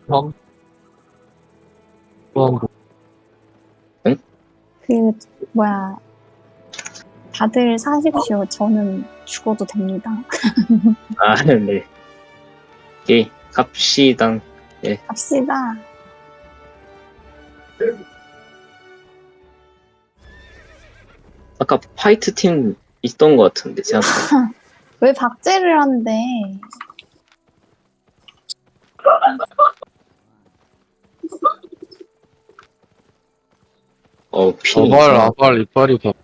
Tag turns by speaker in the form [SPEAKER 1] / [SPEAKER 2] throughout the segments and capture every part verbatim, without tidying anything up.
[SPEAKER 1] 형, 형,
[SPEAKER 2] 그 뭐야 다들 사십시오. 저는 죽어도 됩니다.
[SPEAKER 3] 아, 네. 오케이, 갑시다.
[SPEAKER 2] 갑시다.
[SPEAKER 3] 아까 파이트 팀 있던 것 같은데, 생각보다.
[SPEAKER 2] 왜 박제를 한대?
[SPEAKER 3] 어, 핀이.
[SPEAKER 1] 아발, 아발, 이빨이 다.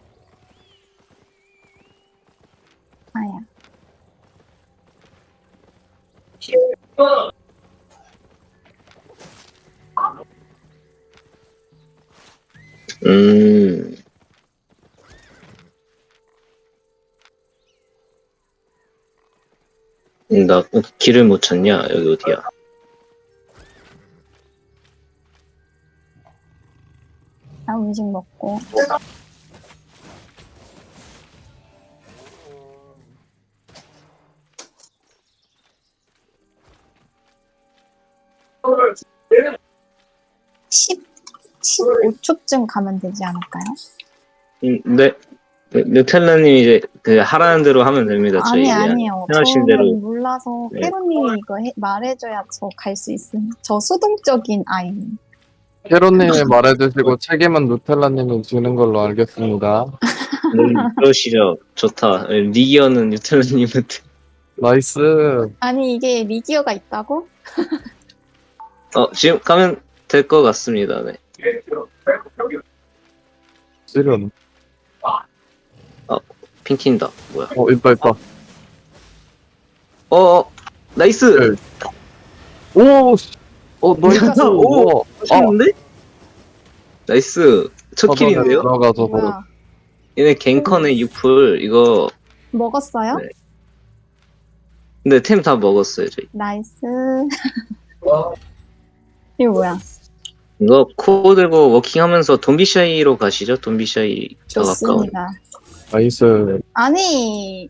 [SPEAKER 2] 아야.
[SPEAKER 3] 음. 음, 나 길을 못 찾냐? 여기 어디야?
[SPEAKER 2] 나 음식 먹고. 십, 십오 초쯤 가면 되지 않을까요?
[SPEAKER 3] 음, 네. 네, 뉴텔라님 이제 그 하라는 대로 하면 됩니다. 저희
[SPEAKER 2] 아니,
[SPEAKER 3] 그냥
[SPEAKER 2] 아니요.
[SPEAKER 3] 생각하신
[SPEAKER 2] 저는
[SPEAKER 3] 대로.
[SPEAKER 2] 몰라서
[SPEAKER 3] 네.
[SPEAKER 2] 캐로님이 이거 해, 말해줘야 저 갈 수 있음. 저 수동적인 아이.
[SPEAKER 1] 캐로님이 말해주시고 책임은 누텔라님이 주는 걸로 알겠습니다.
[SPEAKER 3] 네, 그러시죠. 좋다. 네, 리기어는 뉴텔라님한테.
[SPEAKER 1] 나이스.
[SPEAKER 2] 아니, 이게 리기어가 있다고?
[SPEAKER 3] 어, 지금 가면 될 것 같습니다. 네.
[SPEAKER 1] 지금.
[SPEAKER 3] 핑 튄다. 뭐야?
[SPEAKER 1] 어, 이빨, 이빨.
[SPEAKER 3] 어, 어, 나이스!
[SPEAKER 1] 네. 오, 씨. 어, 나이스.
[SPEAKER 3] 오,
[SPEAKER 1] 오, 아,
[SPEAKER 3] 하셨는데? 나이스. 첫
[SPEAKER 1] 저번에
[SPEAKER 3] 킬인데요?
[SPEAKER 1] 들어가서 바로.
[SPEAKER 2] 뭐야?
[SPEAKER 3] 얘네 갱컨의 유풀, 이거.
[SPEAKER 2] 먹었어요?
[SPEAKER 3] 네. 근데 템 다 먹었어요, 저희.
[SPEAKER 2] 나이스. 이거 뭐야?
[SPEAKER 3] 이거 코 들고 워킹하면서 돈비샤이로 가시죠? 돈비샤이 더 가까운.
[SPEAKER 2] 좋습니다.
[SPEAKER 1] 나이스.
[SPEAKER 2] 아니,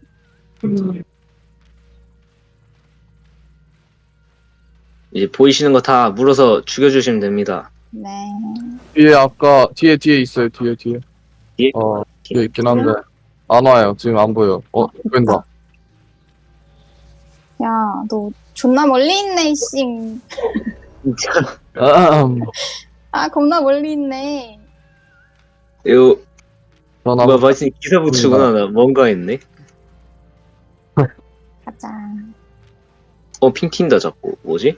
[SPEAKER 3] 이제 보이시는 거 다 물어서 죽여주시면 됩니다.
[SPEAKER 2] 네.
[SPEAKER 1] 뒤에 아까, 뒤에, 뒤에 있어요, 뒤에, 뒤에.
[SPEAKER 3] 뒤에?
[SPEAKER 1] 어, 뒤에 있긴 한데. 안 와요. 지금 안 보여. 어, 보인다.
[SPEAKER 2] 야, 너 존나 멀리 있네, 씨.
[SPEAKER 3] 진짜.
[SPEAKER 1] 아,
[SPEAKER 2] 아, 겁나 멀리 있네.
[SPEAKER 3] 이거,
[SPEAKER 1] 전화.
[SPEAKER 3] 뭐야, 마침 기사 붙이구나. 나 뭔가 했네.
[SPEAKER 2] 가자.
[SPEAKER 3] 어, 핑 튄다, 자꾸. 뭐지?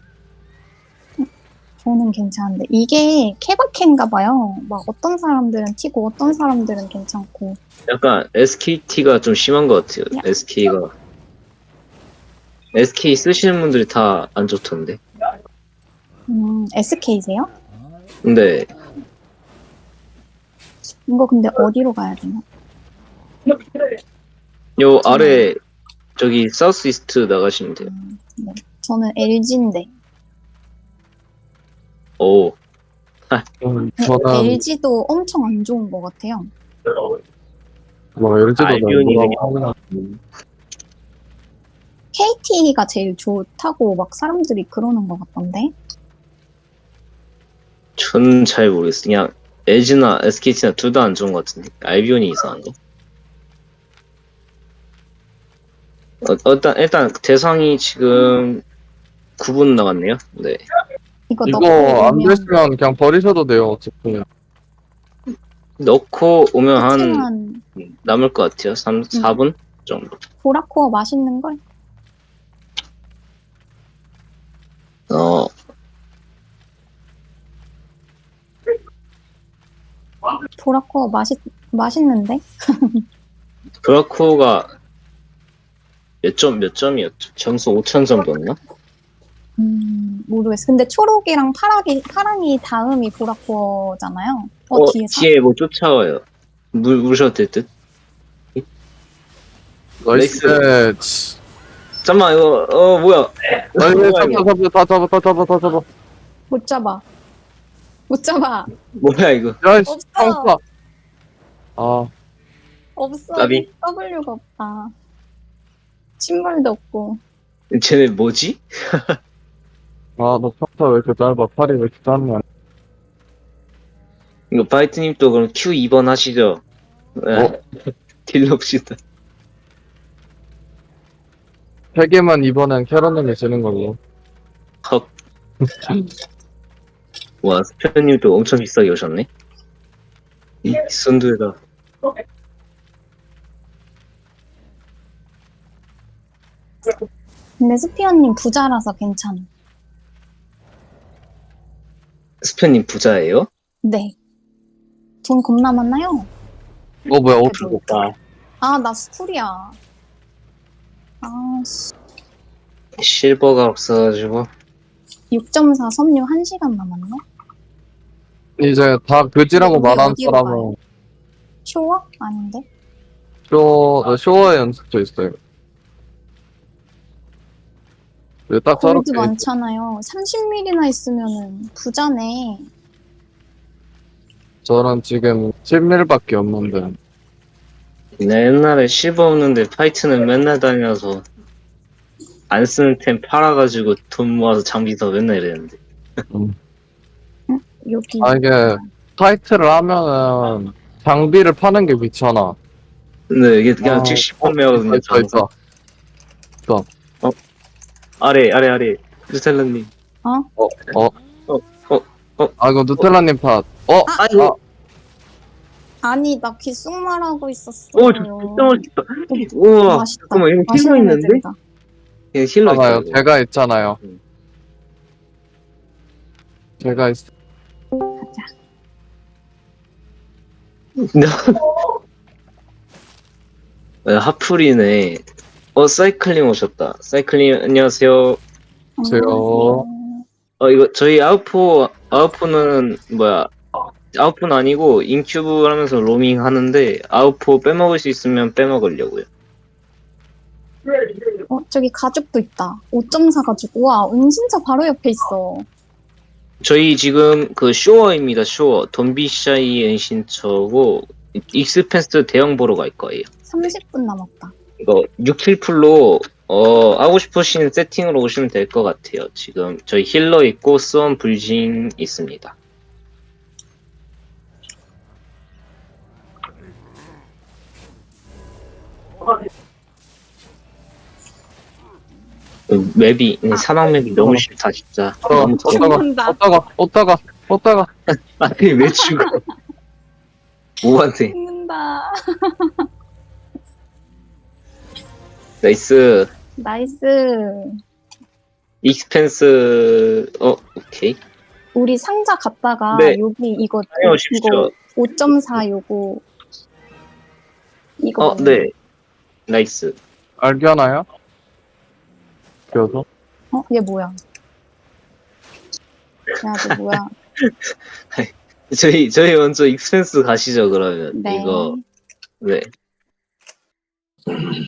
[SPEAKER 2] 저는 괜찮은데. 이게 케바케인가 봐요. 막 어떤 사람들은 튀고 어떤 사람들은 괜찮고.
[SPEAKER 3] 약간 에스케이티가 좀 심한 것 같아요.
[SPEAKER 2] 야.
[SPEAKER 3] 에스케이가. 에스케이 쓰시는 분들이 다 안 좋던데.
[SPEAKER 2] 음, 에스케이세요?
[SPEAKER 3] 근데,
[SPEAKER 2] 이거 근데 어디로 가야 되나?
[SPEAKER 3] 요 아래, 저기, 사우스 이스트 나가시면 돼요.
[SPEAKER 2] 음, 네. 저는 엘지인데.
[SPEAKER 3] 오,
[SPEAKER 1] 음, 저는,
[SPEAKER 2] 엘지도 엄청 안 좋은 것 같아요.
[SPEAKER 1] 뭐, 엘지도
[SPEAKER 3] 알비온이
[SPEAKER 1] 내고
[SPEAKER 2] 케이티가 제일 좋다고 막 사람들이 그러는 것 같던데.
[SPEAKER 3] 전 잘 모르겠어. 그냥, 에즈나 에스케이티나 둘 다 안 좋은 것 같은데. 알비온이 이상한가? 어, 일단, 일단, 대상이 지금 구 분 남았네요. 네.
[SPEAKER 2] 이거,
[SPEAKER 1] 이거
[SPEAKER 2] 넣고
[SPEAKER 1] 안
[SPEAKER 2] 오면
[SPEAKER 1] 되시면 그냥 버리셔도 돼요, 어차피.
[SPEAKER 3] 넣고 오면 한
[SPEAKER 2] 그치만
[SPEAKER 3] 남을 것 같아요. 삼, 사 분 정도.
[SPEAKER 2] 보라코어 맛있는 걸?
[SPEAKER 3] 어,
[SPEAKER 2] 보라코어 맛있 맛있는데?
[SPEAKER 3] 브라코가 몇 점, 몇 점이었죠? 점수 오천 정도였나?
[SPEAKER 2] 음 모르겠어. 근데 초록이랑 파랑이 파랑이 다음이 보라코어잖아요. 어,
[SPEAKER 3] 어,
[SPEAKER 2] 뒤에서?
[SPEAKER 3] 뒤에 뭐 쫓아와요. 물, 물으셔도 될 듯?
[SPEAKER 1] 나이스. 치.
[SPEAKER 3] 잠깐만, 이거, 어, 뭐야.
[SPEAKER 1] 나이스,
[SPEAKER 3] 뭐야,
[SPEAKER 1] 잡아,
[SPEAKER 3] 이거.
[SPEAKER 1] 잡아, 다 잡아, 다 잡아, 다 잡아.
[SPEAKER 2] 못 잡아. 못 잡아.
[SPEAKER 3] 뭐야, 이거.
[SPEAKER 1] 야이씨,
[SPEAKER 2] 없어.
[SPEAKER 1] 상사. 아,
[SPEAKER 2] 없어.
[SPEAKER 3] 나비.
[SPEAKER 2] W가 없다. 신발도 없고.
[SPEAKER 3] 쟤네 뭐지?
[SPEAKER 1] 아, 너 평타 왜 이렇게 짧아? 팔이 왜 이렇게 짧냐?
[SPEAKER 3] 이거 바이트님 또 그럼 큐 이 번 하시죠. 네.
[SPEAKER 1] 어?
[SPEAKER 3] 딜 넣읍시다.
[SPEAKER 1] 세 개만 이번엔 캐럿님이 지는 걸로.
[SPEAKER 3] 헉. 와, 스페어님 또 엄청 비싸게 오셨네. 이 순두에다.
[SPEAKER 2] 근데 스피어님 부자라서 괜찮아.
[SPEAKER 3] 스페어님 부자예요?
[SPEAKER 2] 네. 돈 겁나 많나요?
[SPEAKER 1] 어, 뭐야, 옷
[SPEAKER 2] 그래도-
[SPEAKER 1] 줬다.
[SPEAKER 2] 아, 나 스쿨이야. 아, 씨.
[SPEAKER 3] 실버가 없어가지고.
[SPEAKER 2] 육 점 사 섬유 한 시간 남았네?
[SPEAKER 1] 이제 다 그지라고
[SPEAKER 2] 우리
[SPEAKER 1] 말한
[SPEAKER 2] 어디로
[SPEAKER 1] 사람은
[SPEAKER 2] 가요? 쇼어? 아닌데?
[SPEAKER 1] 쇼, 어, 쇼어의 연습도 있어요. 네, 딱
[SPEAKER 2] 골드
[SPEAKER 1] 저렇게
[SPEAKER 2] 많잖아요. 삼십 밀리나 있으면은 부자네.
[SPEAKER 1] 저는 지금 십 밀밖에 없는데
[SPEAKER 3] 나 옛날에 실버 없는데 파이트는 맨날 다녀서 안 쓰는 템 팔아가지고 돈 모아서 장비 더 맨날 이랬는데.
[SPEAKER 2] 여기.
[SPEAKER 1] 아, 이게 타이틀을 하면은 장비를 파는 게 귀찮아.
[SPEAKER 3] 근데 이게 그냥
[SPEAKER 1] 아,
[SPEAKER 3] 즉시 판매하거든요.
[SPEAKER 1] 있어, 있어.
[SPEAKER 3] 아래 아래 아래 루텔라님.
[SPEAKER 1] 아, 이거
[SPEAKER 3] 어.
[SPEAKER 1] 누텔라님 팟. 어?
[SPEAKER 3] 아이고.
[SPEAKER 1] 아,
[SPEAKER 2] 아니, 나 귓속말하고 있었어.
[SPEAKER 3] 오, 저 진짜 맛있다. 우와,
[SPEAKER 2] 맛있다.
[SPEAKER 3] 잠깐만, 이거 힐러
[SPEAKER 2] 맛있는
[SPEAKER 3] 있는데?
[SPEAKER 2] 애들이다.
[SPEAKER 3] 이거 힐러 있다.
[SPEAKER 1] 있잖아요.
[SPEAKER 3] 이거.
[SPEAKER 1] 제가 있잖아요.
[SPEAKER 3] 음.
[SPEAKER 1] 제가 있.
[SPEAKER 3] 네, 하풀이네. 어, 사이클링 오셨다. 사이클링, 안녕하세요.
[SPEAKER 1] 안녕하세요.
[SPEAKER 3] 어, 이거, 저희 아웃포, 아웃포는, 뭐야, 아웃포는 아니고, 인큐브 하면서 로밍 하는데, 아웃포 빼먹을 수 있으면 빼먹으려고요.
[SPEAKER 2] 어, 저기 가죽도 있다. 오 점 사 가죽. 우와, 은신처 바로 옆에 있어.
[SPEAKER 3] 저희 지금 그 쇼어입니다, 쇼어. 돈비샤이 엔신처고, 익스펜스 대형 보러 갈 거예요.
[SPEAKER 2] 삼십 분 남았다.
[SPEAKER 3] 이거 육 킬 풀로 어 하고 싶으신 세팅으로 오시면 될 것 같아요. 지금 저희 힐러 있고 스원 불진 있습니다. 그 맵이 음, 사막 맵이 너무 싫다 진짜.
[SPEAKER 1] 어,
[SPEAKER 3] 너무 더워.
[SPEAKER 1] 어따가,
[SPEAKER 2] 죽는다.
[SPEAKER 1] 어따가, 어따가, 어따가.
[SPEAKER 3] 아니 왜 죽어? 뭐한테?
[SPEAKER 2] 죽는다.
[SPEAKER 3] 나이스.
[SPEAKER 2] 나이스.
[SPEAKER 3] 익스펜스 어 오케이.
[SPEAKER 2] 우리 상자 갔다가
[SPEAKER 3] 네.
[SPEAKER 2] 여기 이거
[SPEAKER 3] 다녀오십시오.
[SPEAKER 2] 이거 오 점 사 요거 이거
[SPEAKER 3] 어 네. 나이스.
[SPEAKER 1] 알기하나요? 그래서?
[SPEAKER 2] 어? 얘 뭐야? 야, 너 뭐야?
[SPEAKER 3] 저희 저희 먼저 익스펜스 가시죠 그러면.
[SPEAKER 2] 네.
[SPEAKER 3] 이거 네.